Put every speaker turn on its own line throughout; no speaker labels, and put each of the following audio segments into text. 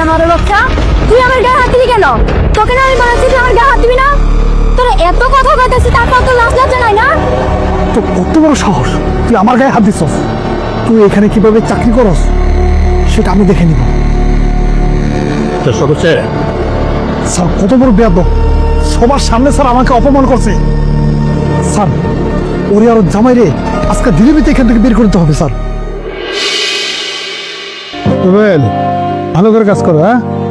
জানোয়ারের বাচ্চা, তুই আমার গায়ে হাত দিবি কেন? তোকে না আমি বলেছি তুই আমার গায়ে হাত দিবি না? তোর এত কথা কইতেছিস তারপর তো লাজ লজ্জা নাই না?
তো কত বড় সাহস, তুই আমার গায়ে হাত দিছস? তুই এখানে কিভাবে চাকরি করস সেটা আমি দেখে নিব।
স্যার
কত বড় বেয়াদব, সবার সামনে স্যার আমাকে অপমান করছে। স্যার ওরে আর জামাই রে আজকে ধীরে ধীরে এখান থেকে বের করতে হবে। স্যার ভালো করে কাজ করো।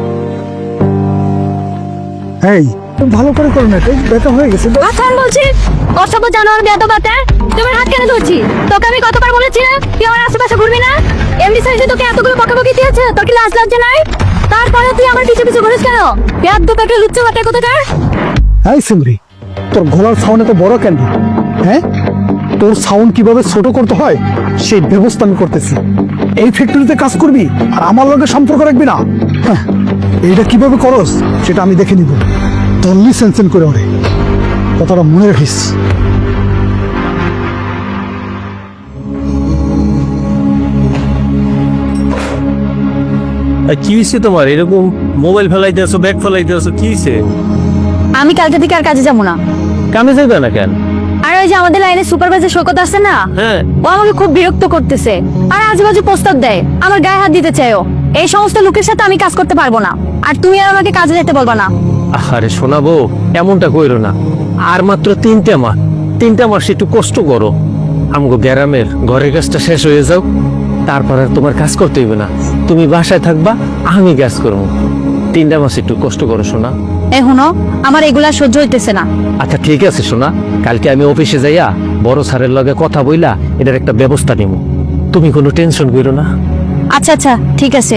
এই তুমি ভালো করে করো না, এই ব্যথা হয়ে গেছে।
আচ্ছা আমি বলছি অসভ্য জানোয়ার বেয়াদব বাতে, তোমার হাত কেন ধরছি? তোকে আমি কতবার বলেছি না তুই আমার আশেপাশে ঘুরবি না? এমনি সাইজে তোকে এতগুলো বকাবকি দিয়েছে, তোর কি লাজ লজ্জা নাই? তারপরে তুই আমার পিছু পিছু ঘুরিস কেন? বেয়াদব একটা লুচ্চা বাটা কোথাকার।
এই সিমরি, তোর গলার সাউন্ড এত বড় কেন? হ্যাঁ, তোর সাউন্ড কিভাবে ছোট করতে হয় সেই ব্যবস্থা আমি করতেছি। এই ফ্যাক্টরিতে কাজ করবি আর আমার লগে সম্পর্ক রাখবি না। হ্যাঁ, এইটা কিভাবে করস সেটা আমি দেখে নিব। তল্লি সেনসেন করে ওরে, কথাটা মনে রাখিস।
কি হয়েছে তোমার? এরকম মোবাইল ফেলাইতে আসো, ব্যাগ ফেলাইতে আসো, কি হয়েছে?
আমি কালকে থেকে আর কাজে যাবো না।
কামে যাবে না কেন?
আর ওই যে আমাদের লাইনে সুপারভাইজার শওকত আছে না,
হ্যাঁ,
ও আমাকে খুব বিরক্ত করতেছে আর আজেবাজে প্রস্তাব দেয়, আমার গায়ে হাত দিতে চায়। এই সমস্ত লোকের সাথে আমি কাজ করতে পারবো না, আর তুমি আর আমাকে কাজে যেতে বলবা না।
আরে শোনাবো, এমনটা কইরো না। আর মাত্র 3টা মাস একটু কষ্ট করো। আমগো গ্রামের ঘরের কাজটা শেষ হয়ে যাও, তারপর আর তোমার কাজ করতে হইবে না। তুমি বাসায় থাকবা, আমি কাজ করবো। 3টা মাস একটু কষ্ট করো শোনা।
এখনো আমার এগুলা সহ্য হইতেছে না।
আচ্ছা ঠিক আছে শোনা, কালকে আমি অফিসে যাইয়া বড় স্যারের লগে কথা বইলা এটার একটা ব্যবস্থা নিব। তুমি কোনো টেনশন করো না।
আচ্ছা আচ্ছা ঠিক আছে।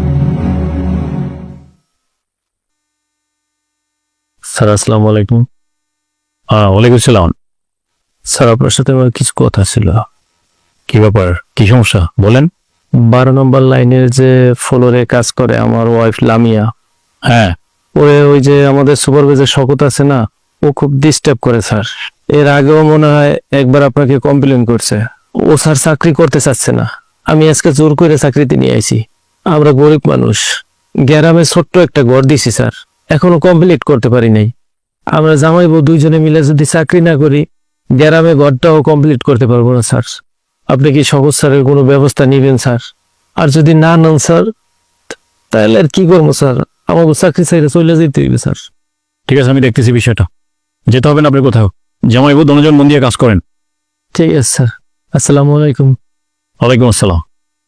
স্যার আসসালামু আলাইকুম। ওয়ালাইকুম সালাম। স্যার আপনার সাথে আমার কিছু কথা ছিল। কি ব্যাপার, কি সমস্যা বলেন? 12 নম্বর লাইনের যে ফ্লোরে কাজ করে আমার ওয়াইফ লামিয়া, হ্যাঁ, ওই যে আমাদের সুপারভাইজার শওকত আছে না, ও খুব ডিস্টার্ব করে স্যার। এর আগেও মনে হয় একবার আপনাকে কমপ্লেন করছে। ও স্যার চাকরি করতে চাচ্ছে না। আমি আজকে জোর করে চাকরিতে নিয়ে আইছি। আমরা গরিব মানুষ, গ্রামে ছোট্ট একটা ঘর দিছি স্যার, এখনো কমপ্লিট করতে পারি নাই। আমরা জামাই বউ দুইজনে মিলে যদি চাকরি না করি, গ্রামে ঘরটাও কমপ্লিট করতে পারবো না স্যার। আপনি কি শওকত স্যারের কোনো ব্যবস্থা নিবেন স্যার? আর যদি না নেন স্যার, তাহলে আর কি করবো স্যার? আমাকে চাকরি চাইলে চলে যেতে হইবে স্যার।
ঠিক আছে, আমি দেখতেছি বিষয়টা। যেতে হবে না আপনি কোথাও, জামাই বউ দুজন মন দিয়ে কাজ করেন।
ঠিক আছে স্যার, আসসালামু আলাইকুম।
ওয়ালাইকুম আসসালাম।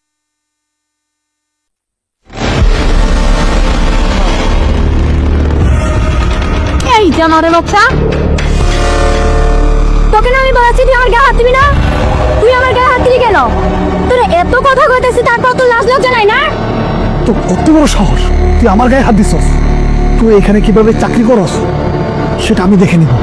এই জানোয়ারের বাচ্চা, তোকে না আমি বলেছি তুই আমার গায়ে হাত দিবি না? তুই আমার গায়ে হাত দিবি কেন? তোর এত কথা কইতেছিস তারপর তো লাজ লজ্জা নাই না?
তো কত বড় সাহস, তুই আমার গায়ে হাত দিছস? তুই এখানে কিভাবে চাকরি করস সেটা আমি দেখে নিব।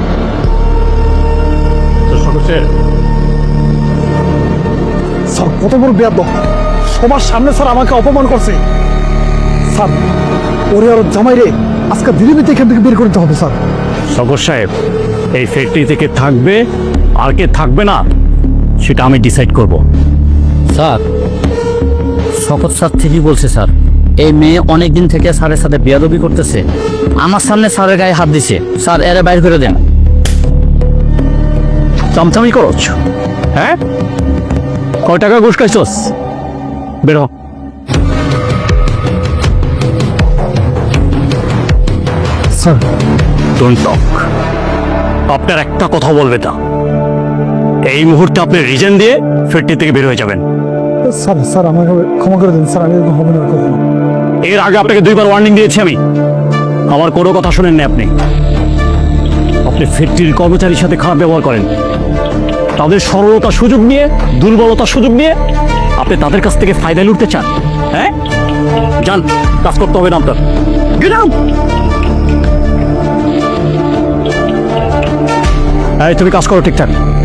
স্যার কত বড় বেয়াদব, সবার সামনে স্যার আমাকে অপমান করছে। স্যার ওরে আর জামাই রে আজকে ধীরে ধীরে এখান থেকে বের করতে হবে। স্যার
শওকত সাহেব, এই ফ্যাক্টরি থেকে থাকবে আর কে থাকবে না সেটা আমি ডিসাইড করব।
স্যার শওকত স্যার ঠিকই বলছে স্যার। এই মেয়ে অনেকদিন থেকে স্যারের সাথে বেয়াদবি করতেছে, আমার সামনে স্যারের গায়ে হাত দিছে। স্যার এরা বাইর করে দেন।
চামচামি করছ? হ্যাঁ, কয় টাকা ঘুষ খাইছস? বের হ।
Sir
don't talk. আপনার একটা কথা বলবে না। এই মুহূর্তে আপনি রিজেন দিয়ে ফ্যাক্টরি থেকে বের হয়ে যাবেন।
স্যার স্যার আমাকে ক্ষমা করে দিন স্যার, আমি এরকম হবে না কখনো।
এর আগে আপনাকে 2বার ওয়ার্নিং দিয়েছি আমি, আমার কোনো কথা শোনেন না আপনি। আপনি ফ্যাক্টরির কর্মচারীর সাথে খারাপ ব্যবহার করেন, তাদের সরলতার সুযোগ নিয়ে, দুর্বলতার সুযোগ নিয়ে আপনি তাদের কাছ থেকে ফায়দা লুটতে চান। হ্যাঁ, যান, কাজ করতে হবে না আপনার। Get out. এই তুমি কাজ করো ঠিকঠাক।